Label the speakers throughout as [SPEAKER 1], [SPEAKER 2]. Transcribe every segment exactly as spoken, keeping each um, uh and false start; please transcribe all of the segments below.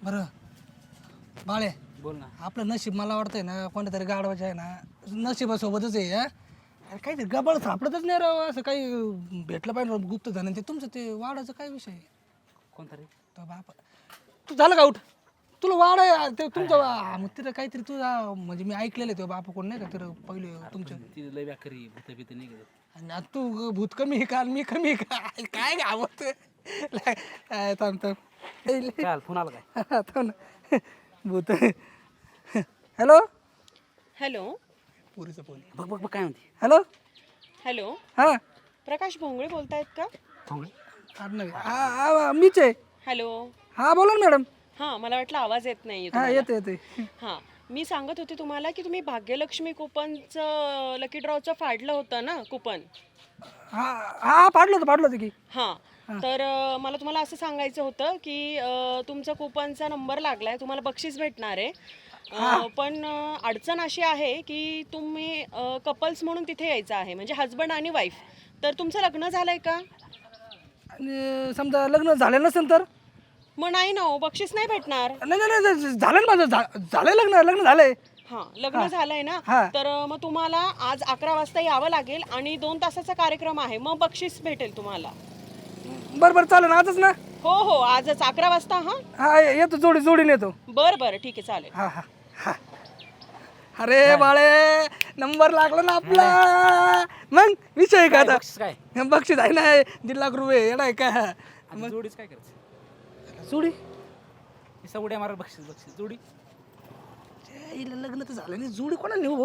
[SPEAKER 1] बरं बाळे
[SPEAKER 2] बोल ना.
[SPEAKER 1] आपलं नशीब मला वाटतंय ना कोणत्या तरी गाडवाचं आहे ना नशिबासोबतच आहे हा अरे काहीतरी गबाळ सापडतच नाही राव असं काही भेटलं पाहिजे गुप्त धन ते तुमचं ते वाडाचं काय विषय आहे?
[SPEAKER 2] कोणता रे?
[SPEAKER 1] तो बाप तू झालं का उठ तुला वाड आहे ते तुमचं वा- मग तिथं काहीतरी तुझा म्हणजे मी ऐकलेलं आहे तो बापा कोण नाही का तिथं पहिले तुमच्या
[SPEAKER 2] ती लय व्याकरी भूत भीत नाही गेलं.
[SPEAKER 1] आणि आता तू भूत कमी आहे का आणि मी कमी आहे का काय गावत थांब थांब
[SPEAKER 2] काय फोन आला काय?
[SPEAKER 1] थांब ना भूत हॅलो
[SPEAKER 3] हॅलो
[SPEAKER 1] पुरीचं फोन
[SPEAKER 2] बघ बघ बघ काय म्हणते.
[SPEAKER 1] हॅलो
[SPEAKER 3] हॅलो
[SPEAKER 1] हां
[SPEAKER 3] प्रकाश भोंगळे बोलतायत का?
[SPEAKER 2] फोन
[SPEAKER 1] नाही हा हा मीच आहे
[SPEAKER 3] हॅलो
[SPEAKER 1] हा बोला ना मॅडम
[SPEAKER 3] हां मला वाटलं आवाज येत नाही
[SPEAKER 1] हा येते येते
[SPEAKER 3] हां मी सांगत होते तुम्हाला की तुम्ही भाग्यलक्ष्मी कुपनचं लकी ड्रॉचं फाडलं होतं ना कुपन.
[SPEAKER 1] हा हा पाडलं होतं पाडलं होतं की
[SPEAKER 3] हां तर अं, मला तुम्हाला असं सांगायचं होतं की अं, तुमचा कुपनचा नंबर लागला आहे तुम्हाला बक्षीस भेटणार आहे. अं, पण अं, अडचण अशी आहे की तुम्ही कपल्स म्हणून तिथे यायचं आहे म्हणजे हजबंड आणि वाईफ. तर तुमचं लग्न झालं आहे का?
[SPEAKER 1] आणि समजा लग्न झालं नसेल तर
[SPEAKER 3] मग नाही ना हो बक्षीस नाही भेटणार.
[SPEAKER 1] नाही नाही नाही, झालं ना माझं झा- झालंय लग्न लग्न झालंय
[SPEAKER 3] हां लग्न झालंय ना
[SPEAKER 1] हा.
[SPEAKER 3] तर अं, मग तुम्हाला आज अकरा वाजता यावं लागेल आणि दोन तासाचा कार्यक्रम आहे मग बक्षीस भेटेल तुम्हाला.
[SPEAKER 1] बरं बरं चालेल ना आजच ना
[SPEAKER 3] हो हो आजच अकरा वाजता हां
[SPEAKER 1] हा येतो जोडी जोडीने येतो
[SPEAKER 3] बरं बरं ठीक आहे चालेल.
[SPEAKER 1] हा हा हा अरे बाळे नंबर लागला ना आपला मग विषय का आता
[SPEAKER 2] बक्षीस काय?
[SPEAKER 1] बक्षीस आहे ना दीड लाख रुपये येणार आहे का
[SPEAKER 2] आता जोडीच काय करायचं?
[SPEAKER 1] जोडी
[SPEAKER 2] नुसता उड्या मारा बक्षीस बक्षीस जोडी.
[SPEAKER 1] हिला लग्न तर झालं नाही जोडी कोणाला नेऊ भाऊ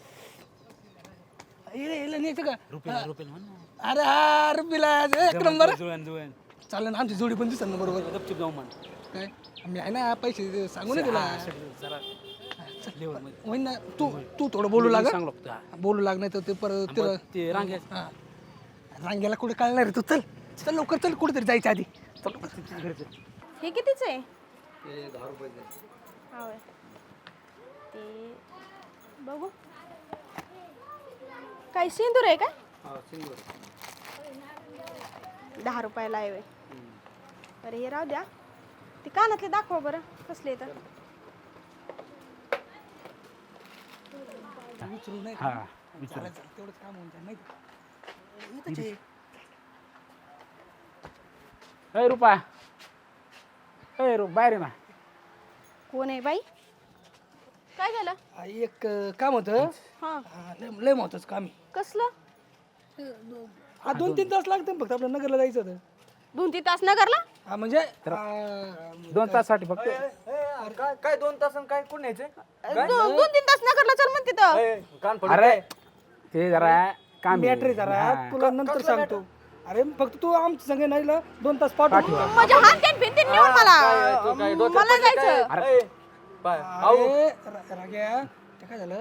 [SPEAKER 1] हिला हिला न्यायचं का
[SPEAKER 2] रुपये रुपये म्हण ना.
[SPEAKER 1] अरे हा रुपीला एक नंबर
[SPEAKER 2] जुळण जुळण
[SPEAKER 1] चालेल ना आमची जोडी पण दिसेल ना बरोबर
[SPEAKER 2] गपचूप जाऊ म्हण.
[SPEAKER 1] काय मी आहे ना पैसे सांगू ना तुला
[SPEAKER 2] जरा लेवल मध्ये
[SPEAKER 1] होईन ना तू तू थोडं बोलू लाग
[SPEAKER 2] सांग लागतो.
[SPEAKER 1] बोलू लाग नाही तर ते परत तिला
[SPEAKER 2] ते रांगे
[SPEAKER 1] हा रांगेला कुठे कळणार आहे तू चल चल लवकर चल कुठेतरी जायच्या आधी चल
[SPEAKER 4] हे कितीच आहे?
[SPEAKER 2] दहा रुपये
[SPEAKER 4] हा होय. ते बघू काय सिंदूर आहे काय? दहा रुपयाला आहे होय. बरं हे राहू द्या ते कानातले दाखवा बरं कसले तर
[SPEAKER 1] विचारू नाही
[SPEAKER 2] हा विचार.
[SPEAKER 1] चालेल, चालेल, तेवढंच काम होऊन जाईल माहिती इथंच आहे.
[SPEAKER 2] अय रुपा अय रुप बाहेर आहे ना.
[SPEAKER 4] कोण आहे बाई? काय झालं?
[SPEAKER 1] हा, एक अं, काम होतं
[SPEAKER 4] हा
[SPEAKER 1] हा, लय लय महत्वाचं काम आहे
[SPEAKER 4] कसलं?
[SPEAKER 1] हा दोन तीन तास लागते फक्त आपल्या नगरला जायचं होतं
[SPEAKER 4] दोन तीन तास नगरला?
[SPEAKER 1] हा म्हणजे आ,
[SPEAKER 2] दोन तासासाठी फक्त.
[SPEAKER 5] काय काय दोन तास काय कोण न्यायचे
[SPEAKER 4] दो- दोन तीन तास नगरला चल म्हणते तर.
[SPEAKER 5] कान पडू
[SPEAKER 2] अरे ते जरा काम आहे.
[SPEAKER 1] बॅटरी जरा तुला नंतर सांगतो अरे फक्त तू आमच्या संग नाही ना दोन तास पाठव
[SPEAKER 4] माझ्या हात भिंतीन नेऊन मला मला जायचं.
[SPEAKER 2] अरे
[SPEAKER 1] अरे रा- राग्या ते काय झालं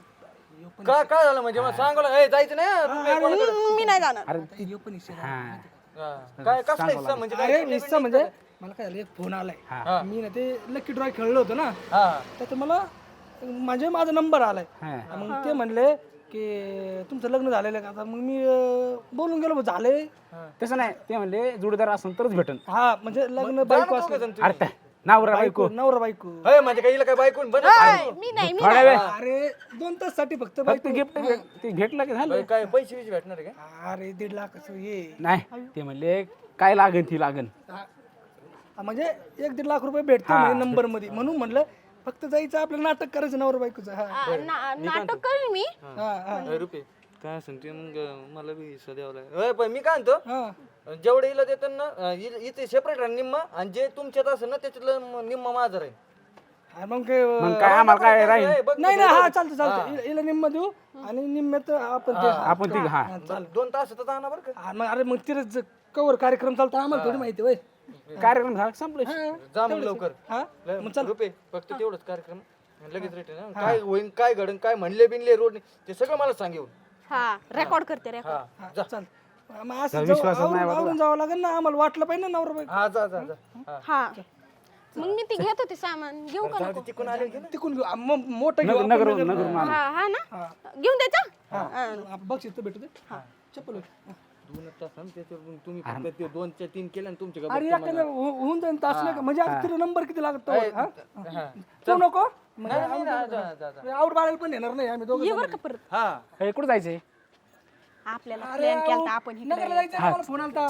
[SPEAKER 5] काय काय झालं म्हणजे मग सांगू ए जायचं नाही हा, रुपये कोणाकडे?
[SPEAKER 4] हम्म, मी नाही जाणार.
[SPEAKER 2] अरे
[SPEAKER 1] आता ह्यो पण हिस्सा झाला.
[SPEAKER 2] हा
[SPEAKER 5] हा. काय कसला हिस्सा म्हणजे काय?
[SPEAKER 1] अरे निस्सा म्हणजे मला काय झालं एक फोन आलाय मी ना ते लकी ड्रॉ खेळलो होतो ना
[SPEAKER 5] हा
[SPEAKER 1] तर मला म्हणजे माझा नंबर आलाय
[SPEAKER 2] हा.
[SPEAKER 1] मग ते म्हणले की तुमचं लग्न झालेलं आहे का आता मग मी अं, बोलून गेलो झाले
[SPEAKER 2] तसं नाही ते म्हणले जोडीदार असेल तरच भेटन.
[SPEAKER 1] हा म्हणजे लग्न बायको असलं
[SPEAKER 2] अरे त्या नवरा बायको
[SPEAKER 1] बायको नवरा बायको
[SPEAKER 5] होय म्हणजे काही काय बायकून बन
[SPEAKER 4] हाय, मी नाही मी
[SPEAKER 2] थोडा वेळ
[SPEAKER 1] अरे दोन तास साठी फक्त
[SPEAKER 2] फक्त
[SPEAKER 1] बायको
[SPEAKER 2] गिफ्ट ते घेतलं की झालं.
[SPEAKER 5] काय पैसे बिशे भेटणार आहे का?
[SPEAKER 1] अरे दीड लाखाचं हे
[SPEAKER 2] नाही ते म्हणले काय लागन ती लागन.
[SPEAKER 1] हा. हा, म्हणजे एक दीड लाख रुपये भेटते नंबर मध्ये म्हणून म्हणलं फक्त जायचं आपलं नाटक करायचं नवरा बायकोचं हा
[SPEAKER 4] आ, ना- नाटक करेन मी.
[SPEAKER 1] हा हा
[SPEAKER 5] अरे रुपये काय सांगते मग मला बी हिस्सा द्यावा लागेल होय पण मी काय म्हणतो
[SPEAKER 1] हा
[SPEAKER 5] जेवढे इला देतात ना अं, इ- इथे सेपरेट राहा निम्मा आणि जे तुमच्यात असेल ना त्याच्यातलं म- निम्मा माझं राहील.
[SPEAKER 1] हा, मग काय,
[SPEAKER 2] मग काय आम्हाला काय राहील.
[SPEAKER 5] ए, बघ
[SPEAKER 1] नाही नाही हा चालतं चालतं हि- हिला निम्म देऊ आणि निम्म्यात आपण ते
[SPEAKER 2] आपण ती हा
[SPEAKER 5] बरं, दोन तासात जाणार बरं का
[SPEAKER 1] हा, मग अरे मग तिथं कवर कार्यक्रम चालतो आम्हाला थोडी माहिती होय
[SPEAKER 2] कार्यक्रम झाला संपलं.
[SPEAKER 5] जा मग लवकर
[SPEAKER 1] हा
[SPEAKER 5] मग चल रुपये फक्त तेवढंच कार्यक्रम लगेच रेट ना काय होईन काय घडन काय म्हणले बिनले रोड ते सगळं मला सांग येऊन.
[SPEAKER 4] हा रेकॉर्ड करते रेकॉर्ड.
[SPEAKER 5] हा
[SPEAKER 1] हा, चाल मग असं जाऊ-
[SPEAKER 2] विश्वासच नाही
[SPEAKER 1] आवरून आवरून जावं लागेल ना आम्हाला वाटलं पाहिजे ना नवरा बायको
[SPEAKER 5] हा जा जा जा हा.
[SPEAKER 4] हा मग मी ती घेत होते सामान घेऊ का नको?
[SPEAKER 5] तिकडून आले की
[SPEAKER 1] तिकून घेऊ आ, मग मोठं घेऊ आपण
[SPEAKER 2] नगर
[SPEAKER 1] नगर-
[SPEAKER 2] नगर
[SPEAKER 4] हा हा ना घेऊन द्यायचा.
[SPEAKER 1] हा. आपण बक्षीस तर भेटू दे चप्पल होती. हा.
[SPEAKER 5] दोन तास ना त्याच्यावर तुम्ही फक्त ते दोनच्या तीन केले आणि तुमचे
[SPEAKER 1] अरे एखादं हो- होऊन जाईल तास नाही का? म्हणजे आता तुला नंबर किती लागतो तू नको आउट बाळायला पण येणार नाही आम्ही दोघं
[SPEAKER 4] ये बरं का परत
[SPEAKER 5] हा
[SPEAKER 2] हे कुठं जायचंय
[SPEAKER 4] आपल्याला प्लॅन केला आपण इकडे
[SPEAKER 1] नगरला जायचं आहे, मला फोन आलता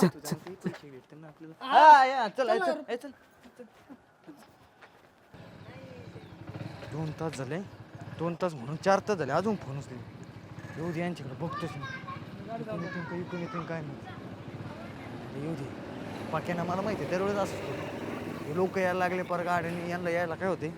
[SPEAKER 5] हा या चल ए, चल ए, चल दोन तास झाले दोन तास म्हणून चार तास झाले अजून फोन उचले येऊ दे यांच्याकडे बघतोच मी इकडून येतील का इकडून येतील काय नाही येऊ दे पाक्यानं मला माहिती आहे दरवेळेस असं हे लोक यायला लागले पर गाड्याने यांना यायला काय होते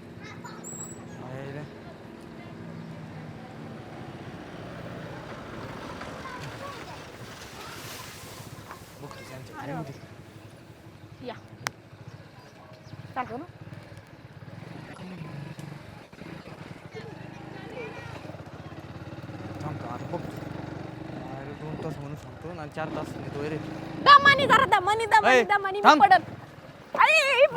[SPEAKER 5] बघतोच यांच्याकडे येऊ दे
[SPEAKER 4] या चालतो ना
[SPEAKER 5] थांबतो आता बघतो अरे दोन तास म्हणून सांगतो आणि चार तास नेतो रे
[SPEAKER 4] दमानी जरा दमानी दमानी
[SPEAKER 5] ऐ,
[SPEAKER 4] दमानी
[SPEAKER 5] थांब.
[SPEAKER 4] मी पडत आई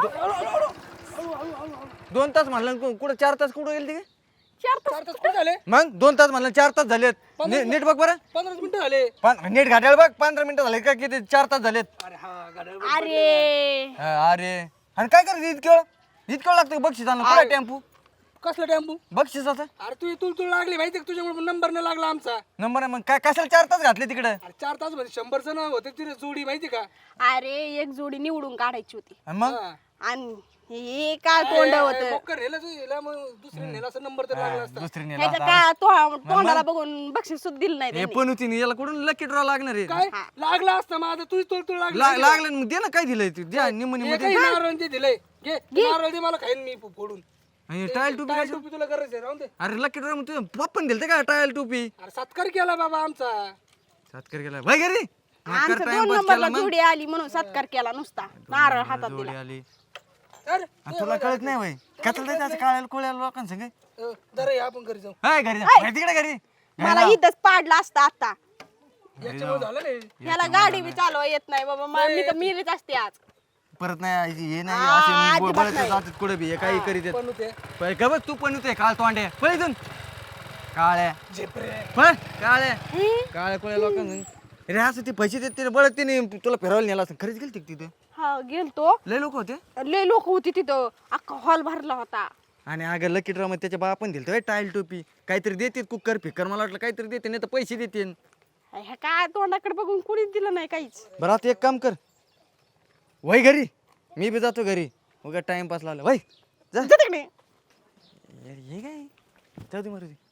[SPEAKER 5] दोन तास म्हणलं कु- कुठं चार तास कुठं गेले ते
[SPEAKER 4] चार तास
[SPEAKER 1] चार तास कुठे झाले
[SPEAKER 5] मग दोन तास म्हणलं चार तास झालेत ने- नीट बघ बरं
[SPEAKER 1] पंधरा मिनिटं झाले
[SPEAKER 5] पण नीट घाटायला बघ पंधरा मिनिटं झाले का किती चार तास झालेत
[SPEAKER 1] अरे हा गाड्या
[SPEAKER 4] अरे
[SPEAKER 5] हा, अरे आणि काय करायचं इतकं वेळ इतकं वेळ लागतं बक्षीस आणलं काय टेम्पो
[SPEAKER 1] कसला टेम्पो
[SPEAKER 5] बक्षिसाचा
[SPEAKER 1] अरे तू तुला तुला लागली माहिती का तुझ्यामुळे नंबर नाही लागला आमचा
[SPEAKER 5] नंबर आहे मग काय कशाला चार तास घातले तिकडे
[SPEAKER 1] अरे चार तास मध्ये शंभर जण होते तिथे जोडी माहिती का
[SPEAKER 4] अरे एक जोडी निवडून काढायची होती
[SPEAKER 5] मग
[SPEAKER 1] हा.
[SPEAKER 4] आणि हे काय तोंड होत
[SPEAKER 1] बॉकर नेलं तू हिला, मग दुसरी नेला असं नंबर तर लागला असता
[SPEAKER 5] दुसरी नेला
[SPEAKER 4] ह्याचं
[SPEAKER 5] आता.
[SPEAKER 4] काय तो- तोंडाला बघून बक्षीस सुद्धा दिलं नाही
[SPEAKER 5] हे
[SPEAKER 4] त्यांनी.
[SPEAKER 5] पण होती याला कुठून लकी ड्रॉ लागणार आहे
[SPEAKER 1] काय लागला असता माझा तुझी तुला तुला लागला
[SPEAKER 5] ला- लागलं ना, मग दे ना काय दिलंय तू द्या निम निम
[SPEAKER 1] काही नारळ ते दिलंय घे नारळ दे मला खाईन मी फोडून
[SPEAKER 5] टायल टोपी
[SPEAKER 1] काय टोपी तुला करायचं आहे, राहून दे
[SPEAKER 5] अरे लकी ड्रॉ तू पप्पन दिलं का टायल टोपी
[SPEAKER 1] अरे सत्कार केला बाबा आमचा
[SPEAKER 5] सातकर गेला भाई घरी
[SPEAKER 4] आमचं दोन नंबरला जोडी आली म्हणून सत्कार केला नुसता नारळ हातात
[SPEAKER 5] जोडी
[SPEAKER 4] दिला
[SPEAKER 5] आली
[SPEAKER 1] अरे
[SPEAKER 5] आणि तुला कळत नाही भाई कचल त्याचं काळ्याला कोळ्याला लोकांसंग
[SPEAKER 1] अ, जरा ये आपण घरी जाऊ
[SPEAKER 5] हाय घरी जा. घरी तिकडे घरी
[SPEAKER 4] मला इथंच पाडला असता आता
[SPEAKER 1] याच्यामुळे झालं नाही
[SPEAKER 4] ह्याला गाडी बी चालवा येत नाही बाबा मा- मी तर मिरीच असते आज
[SPEAKER 5] परत नाही हे नाही
[SPEAKER 4] आ,
[SPEAKER 5] असे
[SPEAKER 4] अजिबात
[SPEAKER 5] बळत
[SPEAKER 4] नाही.
[SPEAKER 5] जातात कुठे बी हे काही करीत आहेत.
[SPEAKER 1] पण होते
[SPEAKER 5] पै का बघ तू पण होते काळ तोंडे पळ इथून काळ्या
[SPEAKER 1] झेपरे
[SPEAKER 5] पळ काळ्या काळ्या कोळ्या लोकांना रे असं ते पैसे देत ते बळत तिने तुला फिरायला नेला असं खरंच गेलते का तिथे
[SPEAKER 4] हा गेलतो
[SPEAKER 5] लय लोक होते
[SPEAKER 4] लय लोक होती तिथं अख्खा हॉल भरला होता
[SPEAKER 5] आणि अगं लकी ड्रॉ मध्ये त्याच्या बापन दिलं टाईल टोपी काहीतरी देते कुकर फिकर मला वाटलं काहीतरी देते नाही तर पैसे देते
[SPEAKER 4] ह्या काय तोंडाकडे बघून कुणीच दिलं नाही काहीच
[SPEAKER 5] बरं आता एक काम कर वय घरी मी बी जातो घरी उगा टाइमपास लावला वय जा
[SPEAKER 4] जा तिकडे
[SPEAKER 5] यार, हे काय जाऊ दे मारुती